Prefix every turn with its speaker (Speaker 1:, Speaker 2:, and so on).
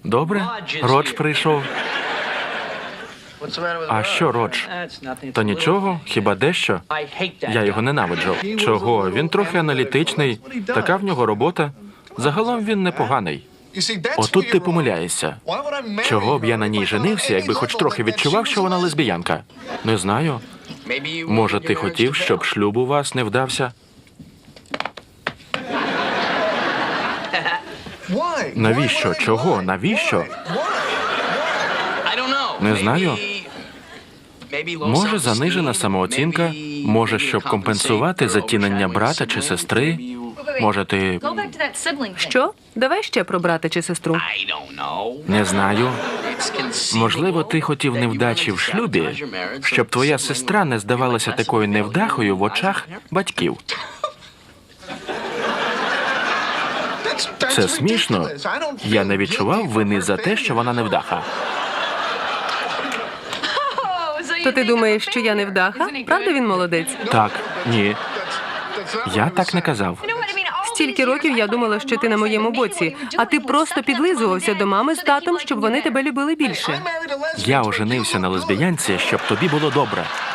Speaker 1: Добре? Родж прийшов. А що, Родж? Та нічого, хіба дещо? Я його ненавиджу. Чого? Він трохи аналітичний. Така в нього робота. Загалом він непоганий. Отут ти помиляєшся. Чого б я на ній женився, якби хоч трохи відчував, що вона лесбіянка? Не знаю. Може, ти хотів, щоб шлюб у вас не вдався? Навіщо? Чого? Навіщо? Не знаю. Може, занижена самооцінка? Може, щоб компенсувати затінення брата чи сестри? Може, ти...
Speaker 2: Що? Давай ще про брата чи сестру.
Speaker 1: Не знаю. Можливо, ти хотів невдачі в шлюбі, щоб твоя сестра не здавалася такою невдахою в очах батьків. Це смішно. Я не відчував вини за те, що вона невдаха.
Speaker 2: То ти думаєш, що я невдаха? Правда він молодець?
Speaker 1: Так, ні. Я так не казав.
Speaker 2: Стільки років я думала, що ти на моєму боці, а ти просто підлизувався до мами з татом, щоб вони тебе любили більше.
Speaker 1: Я оженився на лесбіянці, щоб тобі було добре.